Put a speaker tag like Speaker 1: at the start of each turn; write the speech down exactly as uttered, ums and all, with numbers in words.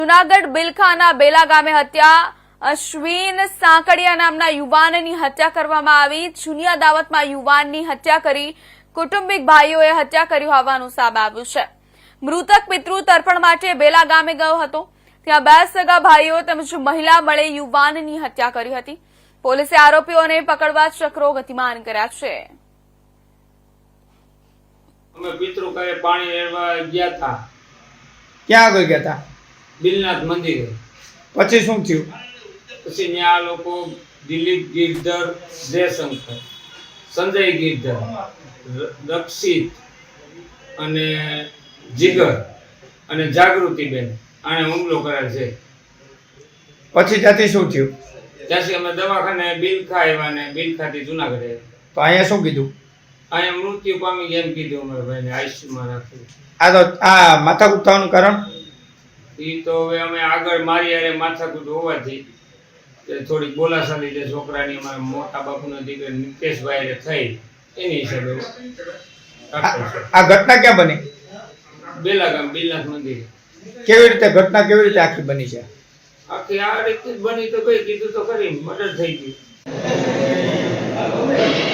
Speaker 1: જૂનાગઢ બિલખાના બેલા ગામે હત્યા અશ્વિન સાંકડિયા નામના યુવાનની હત્યા કરવામાં આવી। જૂની અદાવતમાં યુવાનની હત્યા કરી કુટુંબિક ભાઈઓએ હત્યા કરી હોવાનું સામે આવ્યું છે। મૃતક પિતૃ તર્પણ માટે બેલા ગામે ગયો હતો। ત્યાં બે સગા ભાઈઓ તેમજ મહિલા મળી યુવાનની હત્યા કરી હતી। પોલીસે આરોપીઓને પકડવા ચક્રો ગતિમાન કર્યા છે।
Speaker 2: અમે પિતૃ કરે પાણી લેવા ગયા હતા।
Speaker 3: ક્યાં આગળ ગયા હતા?
Speaker 2: બિલનાથ મંદિરે।
Speaker 3: પછી શું થયું?
Speaker 2: પછી ત્યાં લોકો દિલીપ ગિરધર, જયશંકર, સંજય ગિરધર, રક્ષિત અને જીગર અને જાગૃતિબેન આને હુમલો કરેલ છે।
Speaker 3: પછી ત્યાંથી શું થયું?
Speaker 2: ત્યાંથી અમે દવાખાને બિલખા આવ્યા ને બિલખાથી જુનાગઢ આવ્યા।
Speaker 3: તો અહીંયા શું કીધું?
Speaker 2: અહીંયા મૃત્યુ પામી ગયા એમ કીધું અમારા ભાઈને, આઈસીયુમાં રાખ્યું।
Speaker 3: આ તો આ માથાકૂટ થવાનું કારણ?
Speaker 2: એ તો હવે અમે આગળ મારી યારે માથાકૂટ હોવાથી થોડીક બોલાચાલી જે છોકરાની અમારા મોટા બાપુના દીકરા નિકેશભાઈ થઈ એની હિસાબે
Speaker 3: આ ઘટના ક્યાં બની?
Speaker 2: બેલા ગામ બિલનાથ મંદિરે।
Speaker 3: કેવી રીતે ઘટના કેવી રીતે આખી બની છે?
Speaker 2: આખી આ રીતે બની તો કઈ કીધું તો ખરી મર્ડર થઈ ગયું।